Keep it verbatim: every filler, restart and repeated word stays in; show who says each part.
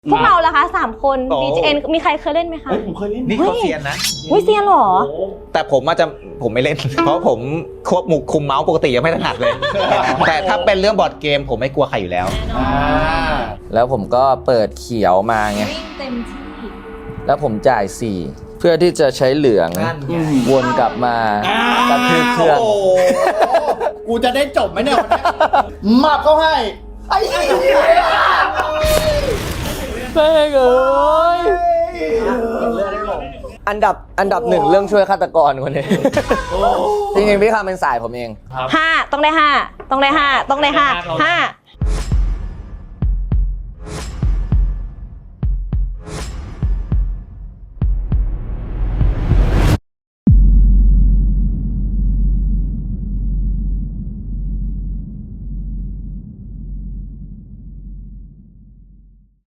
Speaker 1: พวกเราล่ะคะสามคน
Speaker 2: โอ้
Speaker 1: บี จี เอ็น มีใครเคยเล่นไหมคะ
Speaker 3: เฮ้ยผมเคยเล่น
Speaker 2: นี่เขาเซียนนะ
Speaker 1: วิเซียนเหรอ
Speaker 3: โอ้
Speaker 2: แต่ผมอาจจะผมไม่เล่น เพราะผมควบมุกคุมเมาส์ปกติยังไม่ถนัดเลย แต่ถ้าเป็นเรื่องบอร์ดเกมผมไม่กลัวใครอยู่แล้ว
Speaker 3: อ่า
Speaker 4: แล้วผมก็เปิดเขียวมาไง
Speaker 1: วิ่งเต็มที่
Speaker 4: แล้วผมจ่ายสี่เพื่อที่จะใช้เหลือง
Speaker 2: นั่นไง
Speaker 4: วนกลับมากับทืบเครื่อง
Speaker 3: โอ้โหกูจะได้จบไหมเนี่ยวันนี้มาเขาให้ไอ้เหี้ย
Speaker 4: แม่งเอ้ยอันดับอันดับหนึ่งเรื่องช่วยฆาตกรคนนี้ จริงๆพี่คำเป็นสายผมเอง
Speaker 1: ห้าต้องได้ห้าต้องได้ห้าต้องได้ห้าห้า